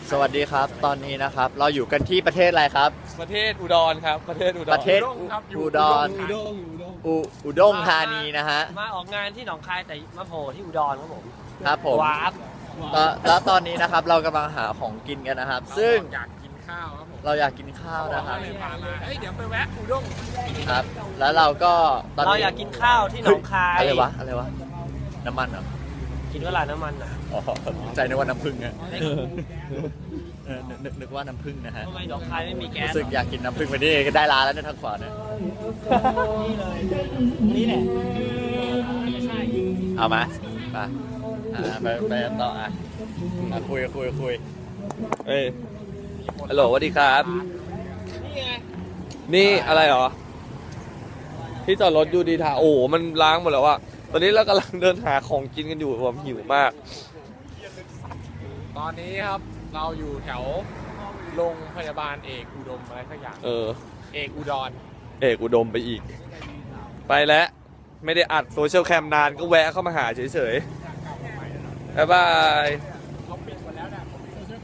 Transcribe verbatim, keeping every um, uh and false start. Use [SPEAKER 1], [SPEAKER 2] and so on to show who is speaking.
[SPEAKER 1] สวัสดีครับตอนนี้นะครับเราอยู่กันที่ประเทศอะไรครับ
[SPEAKER 2] ประเทศอุดรครับประเทศอุดร
[SPEAKER 1] ประเทศอุดรอุอุด้งธานีนะฮะ
[SPEAKER 3] มาออกงานที่หนองคายแต่มาโผล่ที่อุดรครับผม
[SPEAKER 1] ครับผม
[SPEAKER 3] ว้าบ
[SPEAKER 1] แล้วแล้วตอนนี้นะครับเรากำลังหาของกินกันนะครับ ซึ่ง
[SPEAKER 2] อยากกินข้าวครับผม
[SPEAKER 1] เราอยากกินข้าวนะครับ
[SPEAKER 2] เลยพามาเฮ้ยเดี๋ยวไปแวะอุด้ง
[SPEAKER 1] ครับ แล้วเราก็ตอน
[SPEAKER 3] เรา
[SPEAKER 1] นี้
[SPEAKER 3] อยากกินข้าวที่หนองคาย
[SPEAKER 1] อะไรวะอะไรวะน้ำมันเหรอ
[SPEAKER 3] กินเวลาน้ำมันอ่ะ
[SPEAKER 1] อ๋อใจนึกว่าน้ำผึ้งอะเออนึกนึกนึกว่าน้ำผึ้งนะฮะ
[SPEAKER 3] ทำไมหนองคายไม่มีแก๊ส
[SPEAKER 1] รู้สึกอยากกินน้ำผึ้งไปนี่ก็ได้ร้านแล้วเนี่ยทางขวาเนี่ย
[SPEAKER 3] นี่แหละใช่
[SPEAKER 1] เอามาไปอ่าไปไปต่ออ่ะอ่ะคุยคุยคุย
[SPEAKER 2] เอ้ยฮัลโหลสวัสดีครับ
[SPEAKER 3] นี่ไง
[SPEAKER 2] นี่อะไรเหรอที่จอดรถยูดีทาโอ้โหมันล้างหมดแล้วอะตอนนี้เรากำลังเดินหาของกินกันอยู่ผมหิวมาก
[SPEAKER 4] ตอนนี้ครับเราอยู่แถวโรงพยาบาลเอกอุดมอะไรสักอย่าง
[SPEAKER 2] เออ
[SPEAKER 4] เอกอุดร
[SPEAKER 2] เอกอุดมไปอีก ไปแล้ว ไม่ได้อัดโซเชียลแคมนานก็แวะเข้ามาหาเฉยๆบ๊ายบาย
[SPEAKER 4] เขาปิด